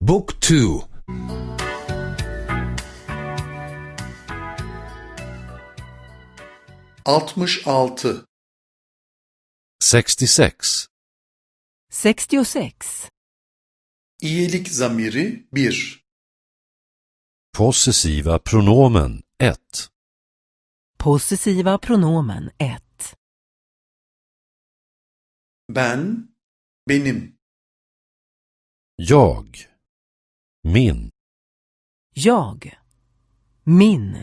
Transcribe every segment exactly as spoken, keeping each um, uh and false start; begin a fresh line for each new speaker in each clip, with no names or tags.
Book two.
altmış altı.
sextiosex.
sextiosex.
İyilik zamiri bir.
Possessiva pronomen ett.
Possessiva pronomen ett.
Ben, benim.
Jag. Min.
Jag. Min.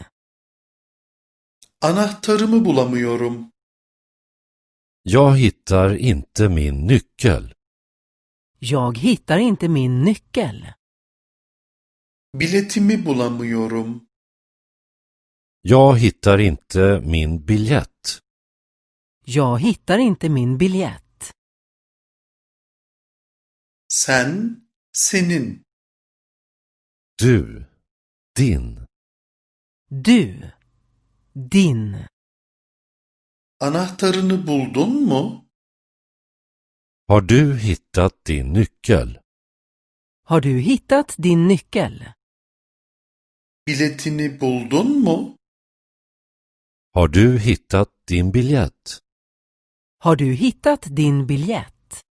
Anahtarımı bulamıyorum.
Jag hittar inte min nyckel.
Jag hittar inte min nyckel.
Biletimi bulamıyorum.
Jag hittar inte min biljett.
Jag hittar inte min biljett.
Sen, senin.
Du. Din.
Du. Din.
Anahtarını buldun mu?
Har du hittat din nyckel?
Har du hittat din nyckel?
Biletini buldun mu?
Har du hittat din biljett?
Har du hittat din biljett?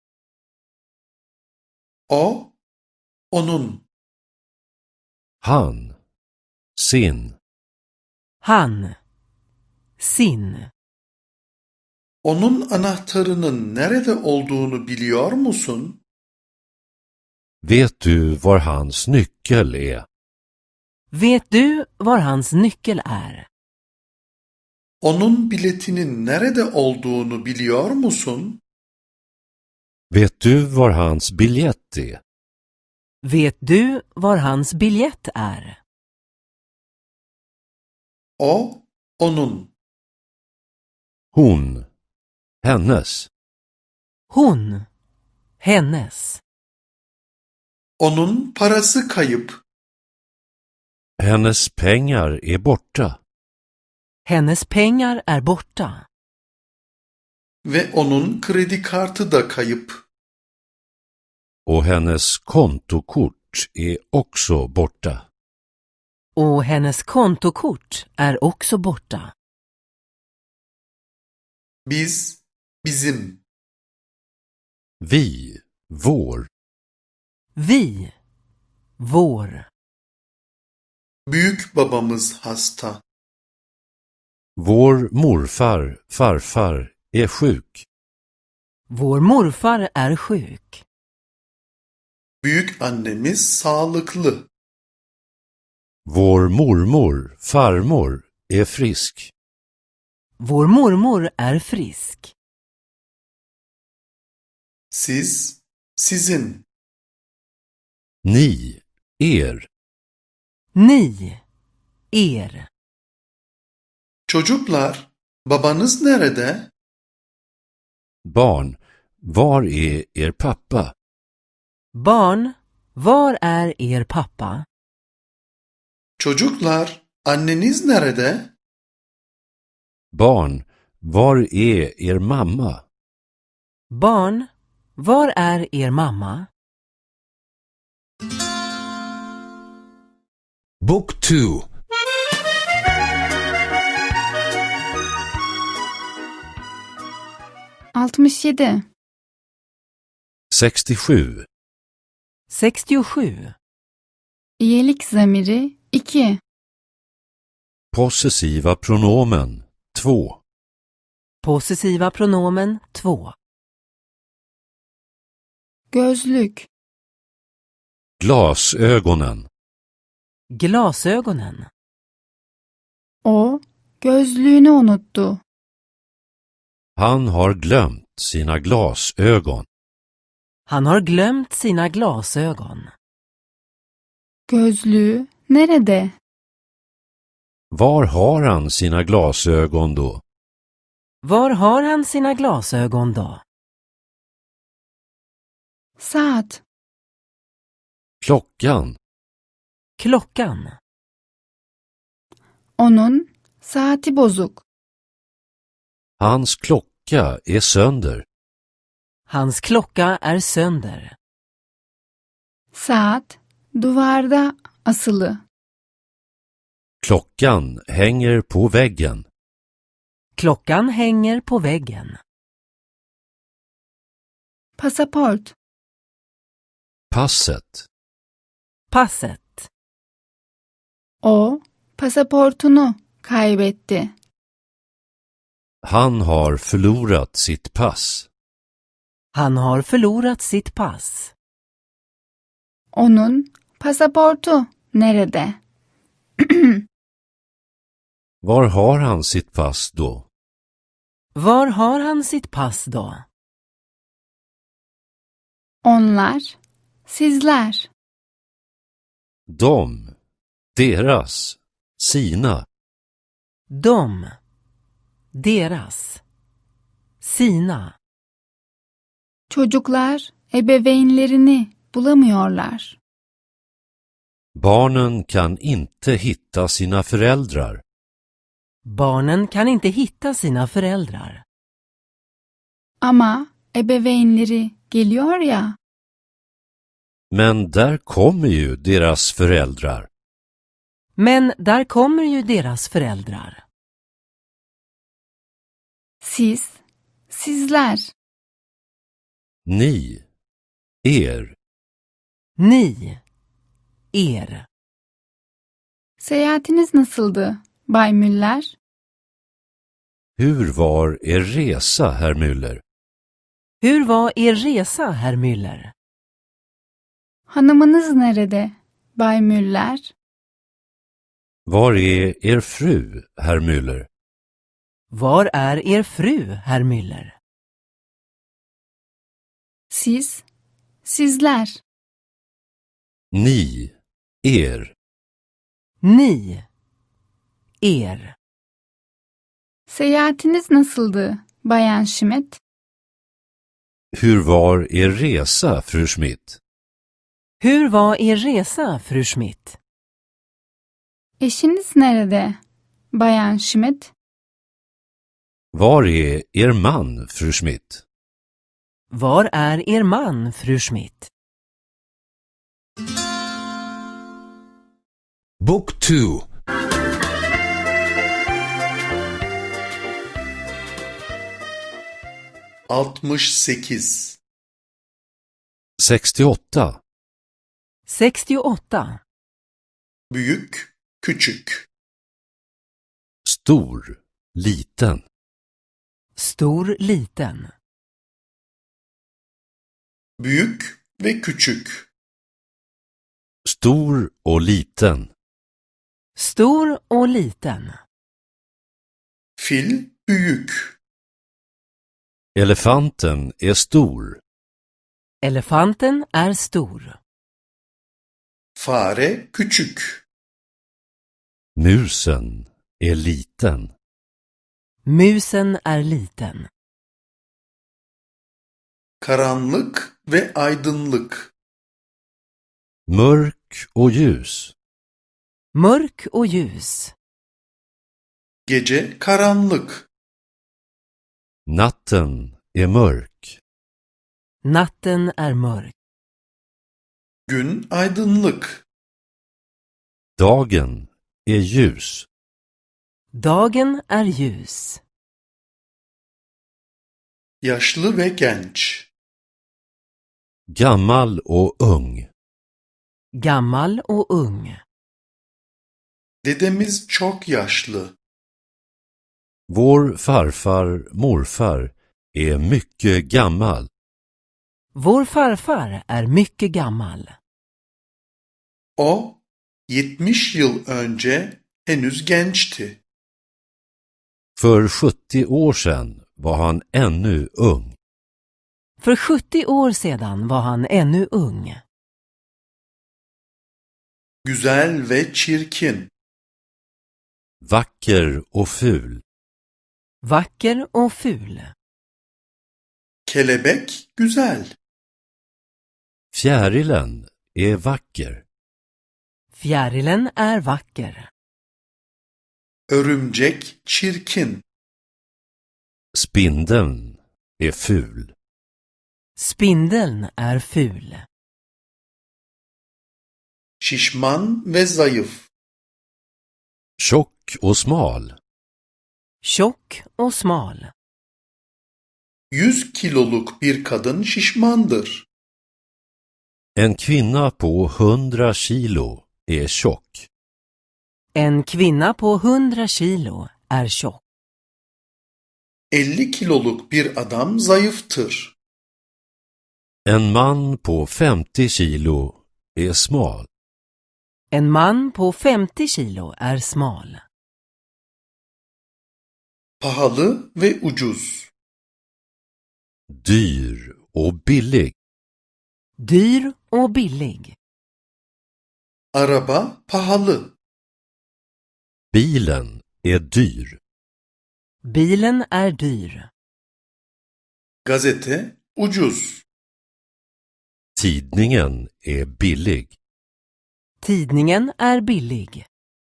O, onun.
Han. Sin.
Han. Sin.
Onun anahtarının nerede olduğunu biliyor musun?
Vet du var hans nyckel är?
Vet du var hans nyckel är?
Onun biletinin nerede olduğunu biliyor musun?
Vet du var hans biljett är?
Vet du var hans biljett är?
O, onun.
Hon. Hennes.
Hon. Hennes.
Onun parası kayıp.
Hennes pengar är borta.
Hennes pengar är borta.
Ve onun kredi kartı da kayıp.
Och hennes kontokort är också borta.
Och hennes kontokort är också borta.
Biz, bizim.
Vi. Vår.
Vi. Vår.
Büyük babamız hasta.
Vår morfar, farfar, är sjuk.
Vår morfar är sjuk.
Büyük annemiz sağlıklı.
Vår mormor, farmor, är frisk.
Vår mormor är frisk.
Siz, sizin.
Ni. Er.
Ni. Er.
Çocuklar, babanız nerede?
Barn. Var är er pappa?
Barn, var är er pappa?
Çocuklar, anneniz nerede?
Barn. Var är er mamma?
Barn, var är er mamma?
Book two.
altmış yedi.
sextiosju.
sextiosju.
İyilik zamiri iki.
Possessiva pronomen två.
Possessiva pronomen två.
Gözlük.
Glasögonen.
Glasögonen.
O gözlüğünü unuttu.
Han har glömt sina glasögon.
Han har glömt sina glasögon.
Gözlüğü nerede?
Var har han sina glasögon då?
Var har han sina glasögon då?
Saat.
Klockan.
Klockan.
Onun saati bozuk.
Hans klocka är sönder.
Hans klocka är sönder.
Saat duvarda asılı.
Klockan hänger på väggen.
Klockan hänger på väggen.
Pasaport.
Passet.
Passet.
O pasaportunu kaybetti.
Han har förlorat sitt pass.
Han har förlorat sitt pass.
Onun pasaportu nerede?
Var har han sitt pass då?
Var har han sitt pass då?
Onlar, sizler.
De, deras, sina.
De, deras, sina.
Çocuklar ebeveynlerini bulamıyorlar.
Barnen kan inte hitta sina föräldrar.
Barnen kan inte hitta sina föräldrar.
Ama ebeveynleri geliyor ya.
Men där kommer ju deras föräldrar.
Men där kommer ju deras föräldrar.
Siz, sizler.
Ni, er.
Ni, er.
Seyahatiniz nasıldı, Bay Müller?
Hur var er resa, herr Müller?
Hur var er resa, herr Müller?
Hanımınız nerede, Bay Müller?
Var är er fru, herr Müller?
Var är er fru, herr Müller?
Siz, sizler.
Ni, er.
Ni, er.
Seyahatiniz nasıldı, Bayan Schmidt?
Hur var er resa, fru Schmidt?
Hur var er resa, fru Schmidt?
Eşiniz nerede, Bayan Schmidt?
Var är er man, fru Schmidt?
Var är er man, fru Schmidt?
Book two.
altmış sekiz.
sextioåtta.
sextioåtta.
Büyük, küçük.
Stor, liten.
Stor, liten.
Büyük ve küçük.
Stor och liten.
Stor och liten.
Fil büyük.
Elefanten är stor.
Elefanten är stor.
Fare küçük.
Musen är liten.
Musen är liten.
Karanlık ve aydınlık.
Mörk och ljus.
Mörk och ljus.
Gece karanlık.
Natten är mörk.
Natten är mörk.
Gün aydınlık.
Dagen är ljus.
Dagen är ljus.
Yaşlı ve genç.
Gammal och ung.
Gammal och ung.
Dedemiz çok yaşlı.
Vår farfar, morfar är mycket gammal.
Vår farfar är mycket gammal.
O yetmiş yıl önce henüz gençti.
För sjuttio år sedan var han ännu ung.
För sjuttio år sedan var han ännu ung.
Güzel ve çirkin.
Vacker och ful.
Vacker och ful.
Kelebek güzel.
Fjärilen är vacker.
Fjärilen är vacker.
Örümcek çirkin.
Spindeln är ful.
Spindeln är ful.
şişman ve zayıf.
Tjock och smal.
Tjock och smal.
yüz kiloluk bir kadın şişmandır.
En kvinna på hundra kilo är tjock.
En kvinna på hundra kilo är tjock.
elli kiloluk bir adam zayıftır.
En man på femtio kilo är smal.
En man på femtio kilo är smal.
Pahalı ve ucuz.
Dyr och billig.
Dyr och billig.
Araba pahalı.
Bilen är dyr.
Bilen är dyr.
Gazete ucuz.
Tidningen är billig.
Tidningen är billig.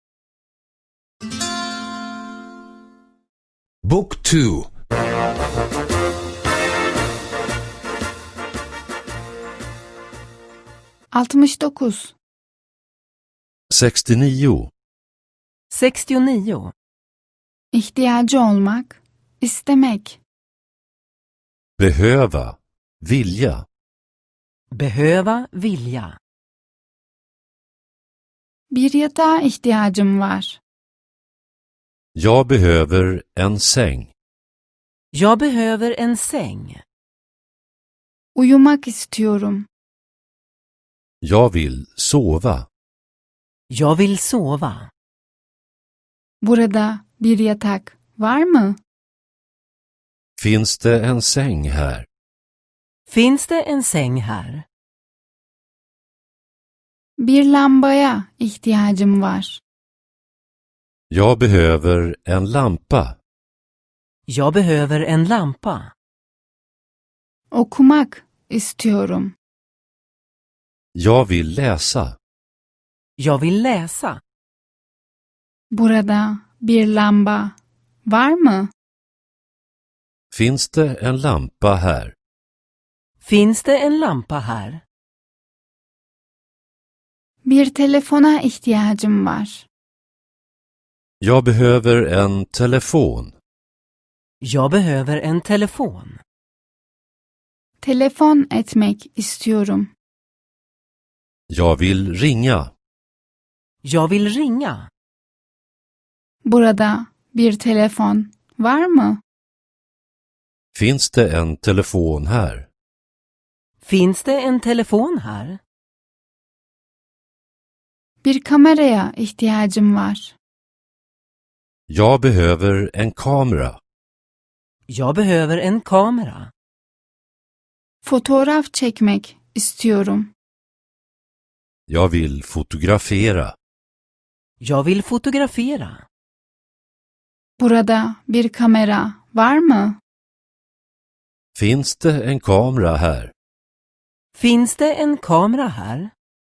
Book two.
altmış dokuz.
sextionio.
sextionio.
İhtiyacı olmak, istemek.
Behöva. Vilja.
Behöva vilja.
Bir yatağa ihtiyacım var.
Jag behöver en säng.
Jag behöver en säng.
Uyumak istiyorum.
Jag vill sova.
Jag vill sova.
Burada bir yatak var mı?
Finns det en säng här?
Finns det en säng här?
Bir lambaya ihtiyacım var.
Jag behöver en lampa.
Jag behöver en lampa.
Okumak istiyorum.
Jag vill läsa.
Jag vill läsa.
Burada bir lamba var mı?
Finns det en lampa här?
Finns det en lampa här?
Bir telefona ihtiyacım var.
Jag behöver en telefon.
Jag behöver en telefon.
Telefon etmek istiyorum.
Jag vill ringa.
Jag vill ringa.
Burada bir telefon var mı?
Finns det en telefon här?
Finns det en telefon här?
Bir kameraya ihtiyacım var.
Jag behöver en kamera.
Jag behöver en kamera.
Fotoğraf çekmek istiyorum.
Jag vill fotografera.
Jag vill fotografera.
Burada bir kamera var mı?
Finns det en kamera här?
Finns det en kamera här?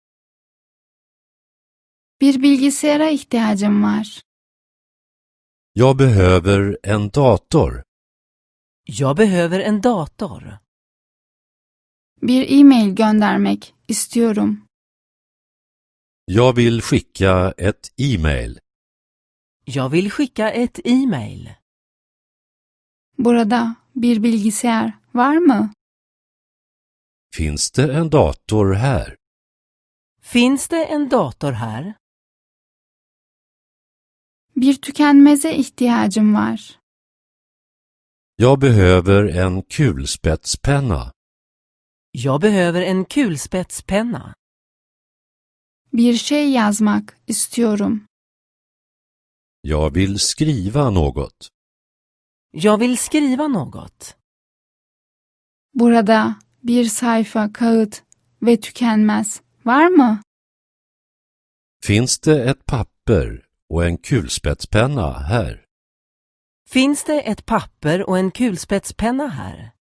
Bir bilgisayara ihtiyacım var.
Jag behöver en dator.
Jag behöver en dator.
Bir e-mail göndermek istiyorum.
Jag vill skicka ett e-mail.
Jag vill skicka ett e-mail.
Burada bir bilgisayar var mı?
Finns det en dator här?
Finns det en dator här?
Bir tükenmeze ihtiyacım var.
Jag behöver en kulspetspenna.
Jag behöver en kulspetspenna.
Bir şey yazmak istiyorum.
Jag vill skriva något.
Jag vill skriva något.
Burada bir sayfa kağıt ve tükenmez var mı?
Finns det ett papper och en kulspetspenna här?
Finns det ett papper och en kulspetspenna här?